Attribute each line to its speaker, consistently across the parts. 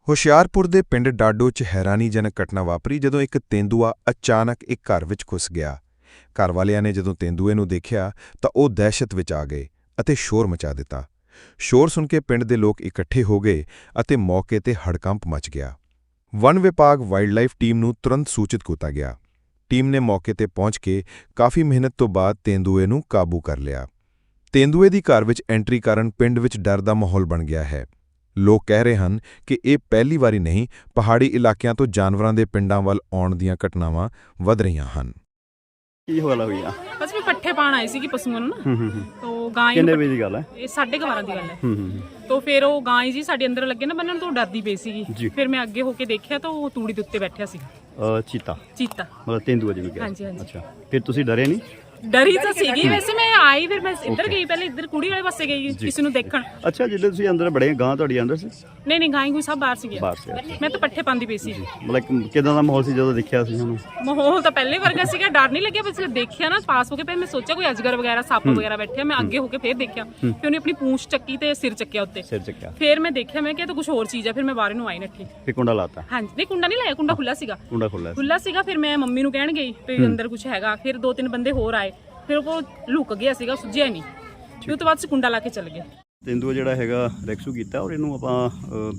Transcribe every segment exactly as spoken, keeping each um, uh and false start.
Speaker 1: ਹੁਸ਼ਿਆਰਪੁਰ ਦੇ ਪਿੰਡ ਡਾਡੋ 'ਚ ਹੈਰਾਨੀਜਨਕ ਘਟਨਾ ਵਾਪਰੀ ਜਦੋਂ ਇੱਕ ਤੇਂਦੂਆ ਅਚਾਨਕ ਇੱਕ ਘਰ ਵਿੱਚ ਘੁਸ ਗਿਆ। ਘਰ ਵਾਲਿਆਂ ਨੇ ਜਦੋਂ ਤੇਂਦੂਏ ਨੂੰ ਦੇਖਿਆ ਤਾਂ ਉਹ ਦਹਿਸ਼ਤ ਵਿੱਚ ਆ ਗਏ ਅਤੇ ਸ਼ੋਰ ਮਚਾ ਦਿੱਤਾ। ਸ਼ੋਰ ਸੁਣ ਕੇ ਪਿੰਡ ਦੇ ਲੋਕ ਇਕੱਠੇ ਹੋ ਗਏ ਅਤੇ ਮੌਕੇ ਤੇ ਹੜਕੰਪ ਮਚ ਗਿਆ। ਵਨ ਵਿਭਾਗ ਵਾਈਲਡਲਾਈਫ ਟੀਮ ਨੂੰ ਤੁਰੰਤ ਸੂਚਿਤ ਕੀਤਾ ਗਿਆ। ਟੀਮ ਨੇ ਮੌਕੇ ਤੇ ਪਹੁੰਚ ਕੇ ਕਾਫੀ ਮਿਹਨਤ ਤੋਂ ਬਾਅਦ ਤੇਂਦੂਏ ਨੂੰ ਕਾਬੂ ਕਰ ਲਿਆ। ਤੇਂਦੂਏ ਦੀ ਘਰ ਵਿੱਚ ਐਂਟਰੀ ਕਾਰਨ ਪਿੰਡ ਵਿੱਚ ਡਰ ਦਾ ਮਾਹੌਲ ਬਣ ਗਿਆ ਹੈ। ਲੋਕ ਕਹਿ ਰਹੇ ਹਨ ਕਿ ਇਹ ਪਹਿਲੀ ਵਾਰੀ ਨਹੀਂ, ਪਹਾੜੀ ਇਲਾਕਿਆਂ ਤੋਂ ਜਾਨਵਰਾਂ ਦੇ ਪਿੰਡਾਂ ਵੱਲ ਆਉਣ ਦੀਆਂ ਘਟਨਾਵਾਂ ਵਧ ਰਹੀਆਂ ਹਨ।
Speaker 2: ਕੀ ਹੋਇਆ ਹੋਈ ਆ?
Speaker 3: ਬਸ ਵੀ ਪੱਠੇ ਪਾਣ ਆਏ ਸੀ ਕਿ ਪਸ਼ੂਆਂ ਨੂੰ ਨਾ।
Speaker 2: ਹੂੰ ਹੂੰ
Speaker 3: ਤੋ ਗਾਂ
Speaker 2: ਕਿੰਨੇ ਵਜੇ ਦੀ ਗੱਲ ਹੈ?
Speaker 3: ਇਹ ਸਾਢੇ ਕੁ ਬਾਰਾਂ ਦੀ ਗੱਲ ਹੈ।
Speaker 2: ਹੂੰ ਹੂੰ
Speaker 3: ਤੋ ਫਿਰ ਉਹ ਗਾਂ ਜੀ ਸਾਡੇ ਅੰਦਰ ਲੱਗੇ ਨਾ ਬੰਨਣ ਤੋਂ ਡਰਦੀ ਪਈ ਸੀਗੀ। ਫਿਰ ਮੈਂ ਅੱਗੇ ਹੋ ਕੇ ਦੇਖਿਆ ਤਾਂ ਉਹ ਤੂੜੀ ਦੇ ਉੱਤੇ ਬੈਠਿਆ ਸੀ।
Speaker 2: ਅ ਚੀਤਾ
Speaker 3: ਚੀਤਾ
Speaker 2: ਮਤਲਬ ਤੇਂਦੂਆ ਜਿਵੇਂ ਕਿਹਾ।
Speaker 3: ਹਾਂਜੀ ਹਾਂਜੀ।
Speaker 2: ਅੱਛਾ, ਫਿਰ ਤੁਸੀਂ ਡਰੇ ਨਹੀਂ?
Speaker 3: ਡਰੀ ਤਾਂ ਸੀਗੀ ਵੈਸੇ। ਮੈਂ ਆਈ ਫਿਰ ਮੈਂ ਇੱਧਰ ਗਈ, ਪਹਿਲੇ ਇੱਧਰ ਕੁੜੀ ਵਾਲੇ ਪਾਸੇ ਗਈ ਕਿਸੇ ਨੂੰ ਦੇਖਣ।
Speaker 2: ਅੱਛਾ, ਜਦੋਂ ਤੁਸੀਂ ਅੰਦਰ ਬੜੇ ਗਾਂ ਤੁਹਾਡੀ ਅੰਦਰ ਸੀ?
Speaker 3: ਨਹੀਂ ਨਹੀਂ, ਗਾਂ ਕੋਈ ਸਭ ਬਾਹਰ ਸੀ ਗਿਆ।
Speaker 2: ਬਾਹਰ ਸੀ।
Speaker 3: ਮੈਂ ਤਾਂ ਪੱਠੇ ਪਾਉਂਦੀ ਪਈ ਸੀ।
Speaker 2: ਮਤਲਬ ਕਿਦਾਂ ਦਾ ਮਾਹੌਲ ਸੀ ਜਦੋਂ ਦੇਖਿਆ ਸੀ ਉਹਨੂੰ?
Speaker 3: ਮਾਹੌਲ ਤਾਂ ਪਹਿਲੇ ਵਰਗਾ ਸੀਗਾ, ਡਰ ਨਹੀਂ ਲੱਗਿਆ। ਬਸ ਦੇਖਿਆ ਨਾ ਪਾਸ ਹੋ ਕੇ, ਫਿਰ ਮੈਂ ਸੋਚਿਆ ਕੋਈ ਅਜਗਰ ਵਗੈਰਾ ਸੱਪ ਵਗੈਰਾ ਬੈਠਿਆ। ਮੈਂ ਅੱਗੇ ਹੋ ਕੇ ਫਿਰ ਦੇਖਿਆ, ਫਿਰ ਉਹਨੇ ਆਪਣੀ ਪੂੰਛ ਚੱਕੀ ਤੇ ਸਿਰ ਚੱਕਿਆ ਉੱਤੇ।
Speaker 2: ਸਿਰ ਚੱਕਿਆ।
Speaker 3: ਫਿਰ ਮੈਂ ਦੇਖਿਆ, ਮੈਂ ਕਿਹਾ ਤਾਂ ਕੁਝ ਹੋਰ ਚੀਜ਼ ਆ। ਫਿਰ ਮੈਂ ਬਾਹਰ ਨੂੰ ਆਈ ਨੱਠੀ।
Speaker 2: ਫਿਰ ਕੁੰਡਾ ਲਾਤਾ?
Speaker 3: ਹਾਂਜੀ, ਨਹੀਂ ਕੁੰਡਾ ਨਹੀਂ ਲਾਇਆ, ਕੁੰਡਾ ਖੁੱਲਾ ਸੀਗਾ।
Speaker 2: ਕੁੰਡਾ ਖੁੱਲਾ
Speaker 3: ਖੁੱਲਾ ਸੀਗਾ। ਫਿਰ ਮੈਂ ਮੰਮੀ ਨੂੰ ਕਹਿਣ ਗਈ ਵੀ ਅੰਦਰ ਕੁਝ ਹੈਗਾ। ਫਿਰ ਦੋ ਤਿੰਨ ਬੰਦੇ ਹੋਰ ਆਏ, ਫਿਰ ਉਹ ਲੁਕ ਗਿਆ ਸੀਗਾ, ਸੁੱਜਿਆ ਨਹੀਂ। ਫਿਰ ਉਸ ਤੋਂ ਬਾਅਦ ਕੁੰਡਾ ਲਾ ਕੇ ਚੱਲ ਗਏ।
Speaker 2: ਤੇਂਦੂਆ ਜਿਹੜਾ ਹੈਗਾ ਰੈਕਸੂ ਕੀਤਾ, ਔਰ ਇਹਨੂੰ ਆਪਾਂ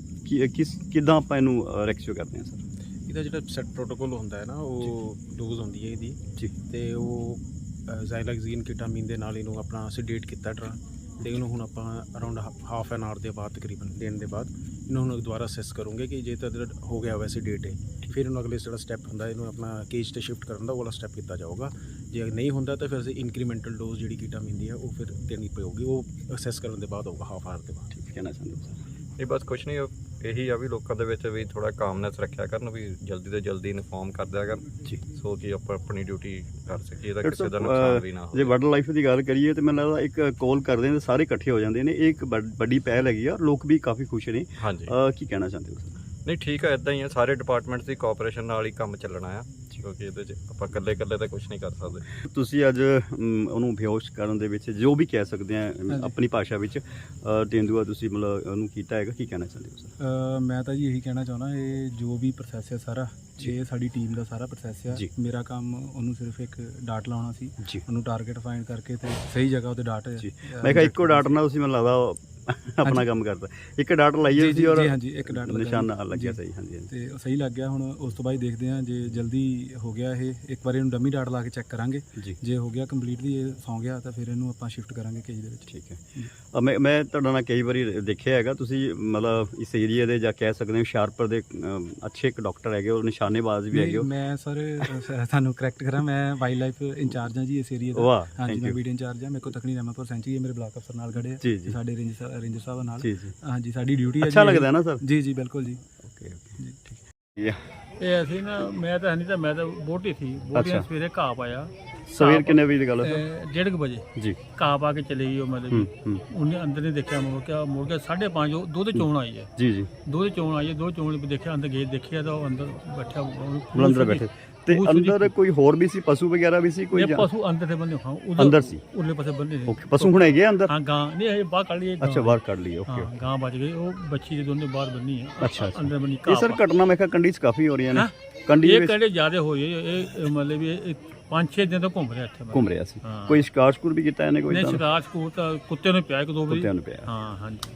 Speaker 2: ਕਿਸ ਕਿਦਾਂ ਆਪਾਂ ਇਹਨੂੰ ਰੈਕਸੂ ਕਰਦੇ ਹਾਂ ਸਰ?
Speaker 4: ਇਹਦਾ ਜਿਹੜਾ ਸੈਟ ਪ੍ਰੋਟੋਕੋਲ ਹੁੰਦਾ ਹੈ ਨਾ, ਉਹ ਡੋਜ਼ ਹੁੰਦੀ ਹੈ ਇਹਦੀ ਜੀ, ਤੇ ਉਹ ਜ਼ਾਈਲੈਕਸੀਨ ਕੀਟਾਮੀਨ ਦੇ ਨਾਲ ਇਹਨੂੰ ਆਪਣਾ ਸੈਡੇਟ ਕੀਤਾ ਡਰਾ, ਤੇ ਇਹਨੂੰ ਹੁਣ ਆਪਾਂ ਅਰਾਊਂਡ ਹਾਫ ਐਨ ਆਵਰ ਦੇ ਬਾਅਦ ਤਕਰੀਬਨ ਦੇਣ ਦੇ ਬਾਅਦ ਇਹਨੂੰ ਹੁਣ ਦੁਬਾਰਾ ਅਸੈਸ ਕਰੂੰਗੇ ਕਿ ਜੇ ਤਾਂ ਹੋ ਗਿਆ ਵੈਸੇ ਡੇਟ ਹੈ, ਫਿਰ ਇਹਨੂੰ ਅਗਲੇ ਜਿਹੜਾ ਸਟੈਪ ਹੁੰਦਾ ਇਹਨੂੰ ਆਪਣਾ ਕੇਜ 'ਤੇ ਸ਼ਿਫਟ ਕਰਨ ਦਾ ਉਹ ਵਾਲਾ ਸਟੈਪ ਕੀਤਾ ਜਾਊਗਾ। ਜੇ ਨਹੀਂ ਹੁੰਦਾ ਤਾਂ ਫਿਰ ਅਸੀਂ ਇਨਕਰੀਮੈਂਟਲ ਡੋਜ਼ ਜਿਹੜੀ ਕੀਟਾਮੀਨ ਦੀ ਹੈ ਉਹ ਫਿਰ ਦੇਣੀ ਪਊਗੀ। ਉਹ ਅਸੈਸ ਕਰਨ ਦੇ ਬਾਅਦ ਹੋਊਗਾ, ਹਾਫ ਆਵਰ ਦੇ ਬਾਅਦ।
Speaker 2: ਠੀਕ ਕਹਿਣਾ ਚਾਹੁੰਦੇ ਹੋ ਸਰ?
Speaker 5: ਇਹ ਬਸ ਕੁਛ ਨਹੀਂ, ਇਹੀ ਆ ਵੀ ਲੋਕਾਂ ਦੇ ਵਿੱਚ ਵੀ ਥੋੜਾ ਕਾਮਨੈਸ ਰੱਖਿਆ ਕਰਨ, ਵੀ ਜਲਦੀ ਤੋਂ ਜਲਦੀ ਇਨਫੋਰਮ ਕਰ ਦਿਆ ਕਰਨ ਜੀ, ਸੋ ਕਿ ਆਪਾਂ ਆਪਣੀ ਡਿਊਟੀ ਕਰ ਸਕੀਏ, ਇਹਦਾ ਕਿਸੇ ਦਾ ਨੁਕਸਾਨ ਵੀ ਨਾ ਹੋਵੇ।
Speaker 2: ਜੇ ਵਾਈਲਡ ਲਾਈਫ ਦੀ ਗੱਲ ਕਰੀਏ ਤਾਂ ਮੈਨੂੰ ਲੱਗਦਾ ਇੱਕ ਕਾਲ ਕਰਦੇ ਨੇ ਸਾਰੇ ਇਕੱਠੇ ਹੋ ਜਾਂਦੇ ਨੇ, ਇਹ ਇੱਕ ਵੱਡੀ ਪਹਿਲ ਹੈਗੀ ਆ, ਲੋਕ ਵੀ ਕਾਫੀ ਖੁਸ਼ ਨੇ।
Speaker 5: ਹਾਂਜੀ,
Speaker 2: ਕੀ ਕਹਿਣਾ ਚਾਹੁੰਦੇ ਹੋ ਸਰ?
Speaker 5: ਨਹੀਂ ਠੀਕ ਹੈ, ਇਦਾਂ ਹੀ ਆ, ਸਾਰੇ ਡਿਪਾਰਟਮੈਂਟਸ ਦੀ ਕੋਆਪਰੇਸ਼ਨ ਨਾਲ ਹੀ ਕੰਮ ਚੱਲਣਾ ਆ, ਕਿਉਂਕਿ ਇਹਦੇ 'ਚ ਆਪਾਂ ਇਕੱਲੇ ਇਕੱਲੇ ਤਾਂ ਕੁਝ ਨਹੀਂ ਕਰ ਸਕਦੇ।
Speaker 2: ਤੁਸੀਂ ਅੱਜ ਉਹਨੂੰ ਬੇਹੋਸ਼ ਕਰਨ ਦੇ ਵਿੱਚ ਜੋ ਵੀ ਕਹਿ ਸਕਦੇ ਆ ਆਪਣੀ ਭਾਸ਼ਾ ਵਿੱਚ ਤੇਂਦੂਆ ਤੁਸੀਂ ਮਤਲਬ ਉਹਨੂੰ ਕੀਤਾ ਹੈਗਾ, ਕੀ ਕਹਿਣਾ ਚਾਹੁੰਦੇ ਹੋ ਸਰ?
Speaker 6: ਮੈਂ ਤਾਂ ਜੀ ਇਹੀ ਕਹਿਣਾ ਚਾਹੁੰਦਾ, ਇਹ ਜੋ ਵੀ ਪ੍ਰੋਸੈਸ ਹੈ ਸਾਰਾ, ਇਹ ਸਾਡੀ ਟੀਮ ਦਾ ਸਾਰਾ ਪ੍ਰੋਸੈਸ ਆ। ਮੇਰਾ ਕੰਮ ਉਹਨੂੰ ਸਿਰਫ ਇੱਕ ਡਾਟ ਲਾਉਣਾ ਸੀ, ਉਹਨੂੰ ਟਾਰਗੇਟ ਫਾਈਂਡ ਕਰਕੇ ਤੇ ਸਹੀ ਜਗ੍ਹਾ ਉੱਤੇ ਡਾਟ।
Speaker 2: ਮੈਂ ਕਿਹਾ ਇੱਕੋ ਡਾਟ ਨਾਲ ਤੁਸੀਂ ਮੈਨੂੰ ਲੱਗਦਾ ਆਪਣਾ ਕੰਮ ਕਰਦਾ, ਇੱਕ ਡਾਟ ਲਾਈਏ ਤੁਸੀਂ ਔਰ
Speaker 6: ਹਾਂਜੀ ਇੱਕ ਡਾਟ
Speaker 2: ਨਿਸ਼ਾਨਾ ਲੱਗਿਆ ਸਹੀ। ਹਾਂਜੀ
Speaker 6: ਤੇ ਉਹ ਸਹੀ ਲੱਗ ਗਿਆ। ਹੁਣ ਉਸ ਤੋਂ ਬਾਅਦ ਦੇਖਦੇ ਹਾਂ ਜੇ ਜਲਦੀ ਹੋ ਗਿਆ ਇਹ, ਇੱਕ ਵਾਰੀ ਇਹਨੂੰ ਡਮੀ ਡਾਟ ਲਾ ਕੇ ਚੈੱਕ ਕਰਾਂਗੇ। ਜੇ ਹੋ ਗਿਆ ਕੰਪਲੀਟਲੀ ਇਹ ਸੌਂ ਗਿਆ ਤਾਂ ਫਿਰ ਇਹਨੂੰ ਆਪਾਂ ਸ਼ਿਫਟ ਕਰਾਂਗੇ ਕੇਜ ਦੇ ਵਿੱਚ।
Speaker 2: ਠੀਕ ਹੈ। ਮੈਂ ਮੈਂ ਤੁਹਾਡਾ ਨਾਲ ਕਈ ਵਾਰੀ ਦੇਖਿਆ ਹੈਗਾ, ਤੁਸੀਂ ਮਤਲਬ ਇਸ ਏਰੀਆ ਦੇ ਜਾਂ ਕਹਿ ਸਕਦੇ ਹੋ ਹੁਸ਼ਿਆਰਪੁਰ ਦੇ ਅੱਛੇ ਇੱਕ ਡਾਕਟਰ ਹੈਗੇ, ਉਹ ਨਿਸ਼ਾਨੇਬਾਜ਼ ਵੀ ਹੈਗੇ।
Speaker 6: ਮੈਂ ਸਰ ਤੁਹਾਨੂੰ ਕਰੈਕਟ ਕਰਾਂ, ਮੈਂ ਵਾਈਲਡ ਲਾਈਫ ਇੰਚਾਰਜ ਹਾਂ ਜੀ ਇਸ ਏਰੀਆ ਦਾ। ਹਾਂਜੀ, ਮੈਂ ਵੀਡੀਓ ਇੰਚਾਰਜ ਹਾਂ। ਮੇਰੇ ਕੋਲ ਤਕਨੀ ਰਹਿਮਤਪੁਰ ਸੈਂਚਰੀ ਹੈ, ਮੇਰੇ ਬਲਾਕ ਅਫਸਰ ਨਾਲ ਖੜੇ ਆ, ਸਾਡੇ ਰੇਂਜ ਰੇਂਜਰ ਸਾਹਿਬ ਨਾਲ। ਹਾਂਜੀ, ਸਾਡੀ ਡਿਊਟੀ ਹੈ।
Speaker 2: ਅੱਛਾ ਲੱਗਦਾ ਨਾ ਸਰ? ਜੀ
Speaker 6: ਜੀ ਬਿਲਕੁਲ ਜੀ।
Speaker 2: ਓਕੇ ਓਕੇ ਠੀਕ ਹੈ।
Speaker 7: ਇਹ ਅਸੀਂ ਨਾ, ਮੈਂ ਤਾਂ ਨਹੀਂ ਤਾਂ ਮੈਂ ਤਾਂ ਬੋਟੀ ਸੀ, ਬੋਟੀ ਸਵੇਰੇ ਘਾਹ ਪਾਇਆ।
Speaker 2: ਸਵੇਰ ਕਿੰਨੇ ਵਜੇ ਦੀ ਗੱਲ ਹੈ ਸਰ?
Speaker 7: ਡੇਢ ਕੁ ਵਜੇ ਜੀ ਘਾਹ ਪਾ ਕੇ ਚਲੇ ਗਈ ਉਹ, ਮਤਲਬ ਉਹਨੇ ਅੰਦਰ ਨਹੀਂ ਦੇਖਿਆ, ਮੁੜ ਕੇ ਮੁੜ ਕੇ ਸਾਢੇ ਪੰਜ ਦੁੱਧ ਚੋਣ ਆਈ ਹੈ। ਜੀ ਜੀ ਦੁੱਧ ਚੋਣ ਆਈ ਹੈ, ਦੁੱਧ ਚੋਣ ਦੇਖਿਆ, ਅੰਦਰ ਗਏ ਦੇਖਿਆ ਤਾਂ ਉਹ ਅੰਦਰ ਬੈਠਾ,
Speaker 2: ਅੰਦਰ ਬੈਠੇ। ਤੇ ਅੰਦਰ ਕੋਈ ਹੋਰ ਵੀ ਸੀ, ਪਸ਼ੂ ਵਗੈਰਾ ਵੀ ਸੀ ਕੋਈ?
Speaker 7: ਪਸ਼ੂ ਅੰਦਰ ਤੇ ਬੰਦੇ ਹਾਂ,
Speaker 2: ਅੰਦਰ ਸੀ,
Speaker 7: ਉਰਲੇ ਪਾਸੇ ਬੰਦੇ ਨੇ।
Speaker 2: ਓਕੇ, ਪਸ਼ੂ ਹੁਣ ਹੈਗੇ ਅੰਦਰ?
Speaker 7: ਹਾਂ, ਗਾਂ ਨਹੀਂ ਇਹ ਬਾਹਰ ਕੱਢ ਲਈ।
Speaker 2: ਅੱਛਾ, ਬਾਹਰ ਕੱਢ ਲਈ। ਓਕੇ,
Speaker 7: ਹਾਂ, ਗਾਂ ਬਚ ਗਈ, ਉਹ ਬੱਚੀ ਦੇ ਦੋਨੇ ਬਾਹਰ ਬੰਨੀ ਹੈ।
Speaker 2: ਅੱਛਾ,
Speaker 7: ਅੰਦਰ ਬੰਨੀ।
Speaker 2: ਇਹ ਸਰ ਘਟਨਾ ਮੈਂ ਕਿਹਾ ਕੰਡੀ 'ਚ ਕਾਫੀ ਹੋ ਰਹੀਆਂ ਨੇ। ਕੰਡੀ
Speaker 7: ਇਹ ਕੰਡੇ ਜ਼ਿਆਦਾ ਹੋਈ ਹੈ, ਇਹ ਮਤਲਬ ਵੀ ਇਹ ਪੰਜ ਛੇ ਦਿਨ ਤੋਂ ਘੁੰਮ ਰਿਹਾ ਇੱਥੇ।
Speaker 2: ਘੁੰਮ ਰਿਹਾ ਸੀ। ਕੋਈ ਸ਼ਿਕਾਰ ਸ਼ਕੂਰ ਵੀ ਕੀਤਾ ਇਹਨੇ? ਕੋਈ
Speaker 7: ਨਹੀਂ, ਸ਼ਿਕਾਰ ਸ਼ਕੂਰ ਤਾਂ ਕੁੱਤੇ ਨੂੰ ਪਿਆ ਇੱਕ ਦੋ ਵਾਰੀ।
Speaker 2: ਕੁੱਤਿਆਂ ਨੂੰ ਪਿਆ।
Speaker 7: ਹਾਂ ਹਾਂਜੀ।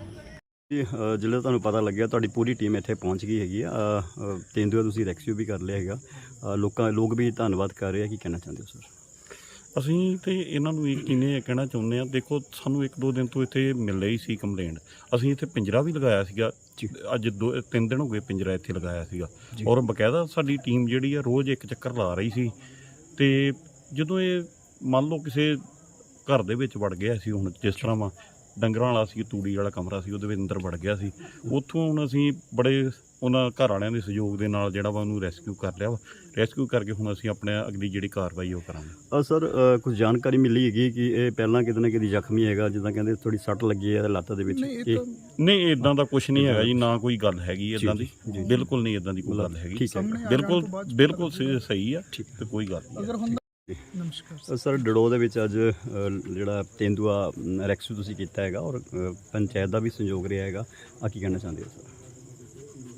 Speaker 2: ਜਦੋਂ ਤੁਹਾਨੂੰ ਪਤਾ ਲੱਗਿਆ ਤੁਹਾਡੀ ਪੂਰੀ ਟੀਮ ਇੱਥੇ ਪਹੁੰਚ ਗਈ ਹੈਗੀ ਆ, ਤੇਂਦੂਆ ਤੁਸੀਂ ਰੈਕਸਿਊ ਵੀ ਕਰ ਲਿਆ ਹੈਗਾ, ਲੋਕਾਂ ਲੋਕ ਵੀ ਧੰਨਵਾਦ ਕਰ ਰਹੇ ਆ, ਕੀ ਕਹਿਣਾ ਚਾਹੁੰਦੇ ਹੋ ਸਰ?
Speaker 8: ਅਸੀਂ ਤੇ ਇਹਨਾਂ ਨੂੰ ਇੱਕ ਕਿਨੇ ਕਹਿਣਾ ਚਾਹੁੰਦੇ ਹਾਂ, ਦੇਖੋ ਸਾਨੂੰ ਇੱਕ ਦੋ ਦਿਨ ਤੋਂ ਇੱਥੇ ਮਿਲ ਰਹੀ ਸੀ ਕੰਪਲੇਂਟ, ਅਸੀਂ ਇੱਥੇ ਪਿੰਜਰਾ ਵੀ ਲਗਾਇਆ ਸੀਗਾ। ਅੱਜ ਦੋ ਤਿੰਨ ਦਿਨ ਹੋ ਗਏ ਪਿੰਜਰਾ ਇੱਥੇ ਲਗਾਇਆ ਸੀਗਾ, ਔਰ ਬਕਾਇਦਾ ਸਾਡੀ ਟੀਮ ਜਿਹੜੀ ਆ ਰੋਜ਼ ਇੱਕ ਚੱਕਰ ਲਾ ਰਹੀ ਸੀ। ਤੇ ਜਦੋਂ ਇਹ ਮੰਨ ਲਓ ਕਿਸੇ ਘਰ ਦੇ ਵਿੱਚ ਵੜ ਗਿਆ ਸੀ, ਹੁਣ ਜਿਸ ਤਰ੍ਹਾਂ ਵਾ ਡੰਗਰਾਂ ਵਾਲਾ ਸੀ, ਤੂੜੀ ਵਾਲਾ ਕਮਰਾ ਸੀ, ਉਹਦੇ ਵਿੱਚ ਅੰਦਰ ਵੜ ਗਿਆ ਸੀ, ਉੱਥੋਂ ਹੁਣ ਅਸੀਂ ਬੜੇ ਉਹਨਾਂ ਘਰ ਵਾਲਿਆਂ ਦੇ ਸਹਿਯੋਗ ਦੇ ਨਾਲ ਜਿਹੜਾ ਵਾ ਉਹਨੂੰ ਰੈਸਕਿਊ ਕਰ ਲਿਆ ਵਾ। ਰੈਸਕਿਊ ਕਰਕੇ ਹੁਣ ਅਸੀਂ ਆਪਣੇ ਅਗਲੀ ਜਿਹੜੀ ਕਾਰਵਾਈ ਉਹ ਕਰਾਂਗੇ।
Speaker 2: ਸਰ ਕੁਝ ਜਾਣਕਾਰੀ ਮਿਲੀ ਹੈਗੀ ਕਿ ਇਹ ਪਹਿਲਾਂ ਕਿਤੇ ਨਾ ਕਿਤੇ ਜ਼ਖਮੀ ਹੈਗਾ, ਜਿੱਦਾਂ ਕਹਿੰਦੇ ਥੋੜੀ ਸੱਟ ਲੱਗੀ ਹੈ ਲੱਤ ਦੇ ਵਿੱਚ?
Speaker 8: ਨਹੀਂ, ਇਦਾਂ ਦਾ ਕੁਝ ਨਹੀਂ ਹੈਗਾ ਜੀ, ਨਾ ਕੋਈ ਗੱਲ ਹੈਗੀ ਇਦਾਂ ਦੀ, ਬਿਲਕੁਲ ਨਹੀਂ ਇਦਾਂ ਦੀ ਕੋਈ ਗੱਲ ਹੈਗੀ। ਬਿਲਕੁਲ ਬਿਲਕੁਲ ਸਹੀ ਆ, ਤੇ ਕੋਈ ਗੱਲ ਨਹੀਂ।
Speaker 2: ਨਮਸਕਾਰ ਸਰ, ਡੜੋ ਦੇ ਵਿੱਚ ਅੱਜ ਜਿਹੜਾ ਤੇਂਦੂਆ ਰੈਕਸੂ ਤੁਸੀਂ ਕੀਤਾ ਹੈਗਾ, ਔਰ ਪੰਚਾਇਤ ਦਾ ਵੀ ਸਹਿਯੋਗ ਰਿਹਾ ਹੈਗਾ, ਆ ਕੀ ਕਹਿਣਾ ਚਾਹੁੰਦੇ ਹੋ ਸਰ?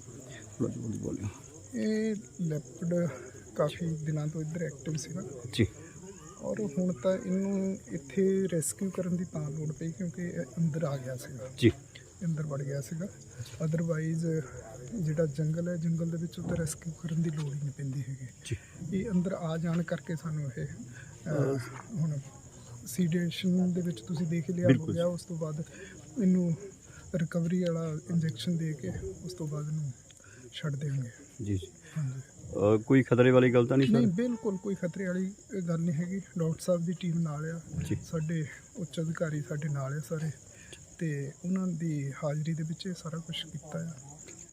Speaker 2: ਬੋਲੀ ਬੋਲੀ
Speaker 9: ਇਹ ਲੈਪਰਡ ਕਾਫੀ ਦਿਨਾਂ ਤੋਂ ਇੱਧਰ ਐਕਟਿਵ ਸੀਗਾ
Speaker 2: ਜੀ
Speaker 9: ਔਰ ਹੁਣ ਤਾਂ ਇਹਨੂੰ ਇੱਥੇ ਰੈਸਕਿਊ ਕਰਨ ਦੀ ਤਾਂ ਲੋੜ ਪਈ ਕਿਉਂਕਿ ਇਹ ਅੰਦਰ ਆ ਗਿਆ ਸੀਗਾ
Speaker 2: ਜੀ
Speaker 9: ਅੰਦਰ ਵੜ ਗਿਆ ਸੀਗਾ। ਅਦਰਵਾਈਜ਼ ਜਿਹੜਾ ਜੰਗਲ ਹੈ ਜੰਗਲ ਦੇ ਵਿੱਚ ਉਹਦਾ ਰੈਸਕਿਊ ਕਰਨ ਦੀ ਲੋੜ ਹੀ ਨਹੀਂ ਪੈਂਦੀ ਹੈਗੀ
Speaker 2: ਜੀ
Speaker 9: ਇਹ ਅੰਦਰ ਆ ਜਾਣ ਕਰਕੇ ਸਾਨੂੰ ਇਹ ਅਹ, ਹੁਣ ਸੀਡੇਸ਼ਨ ਦੇ ਵਿੱਚ ਤੁਸੀਂ ਦੇਖ ਲਿਆ ਹੋ ਗਿਆ। ਉਸ ਤੋਂ ਬਾਅਦ ਇਹਨੂੰ ਰਿਕਵਰੀ ਵਾਲਾ ਇੰਜੈਕਸ਼ਨ ਦੇ ਕੇ ਉਸ ਤੋਂ ਬਾਅਦ ਇਹਨੂੰ ਛੱਡ ਦੇਣਗੇ।
Speaker 2: ਜੀ ਜੀ
Speaker 9: ਹਾਂਜੀ
Speaker 2: ਅ, ਕੋਈ ਖਤਰੇ ਵਾਲੀ ਗੱਲ ਤਾਂ ਨਹੀਂ
Speaker 9: ਨਹੀਂ
Speaker 2: ਸਰ?
Speaker 9: ਬਿਲਕੁਲ ਕੋਈ ਖਤਰੇ ਵਾਲੀ ਗੱਲ ਨਹੀਂ ਹੈਗੀ। ਡਾਕਟਰ ਸਾਹਿਬ ਦੀ ਟੀਮ ਨਾਲ ਆ
Speaker 2: ਜੀ
Speaker 9: ਸਾਡੇ ਉੱਚ ਅਧਿਕਾਰੀ ਸਾਡੇ ਨਾਲ ਆ ਸਾਰੇ ਤੇ ਉਹਨਾਂ ਦੀ ਹਾਜ਼ਰੀ ਦੇ ਵਿੱਚ ਇਹ ਸਾਰਾ ਕੁਝ ਕੀਤਾ ਆ।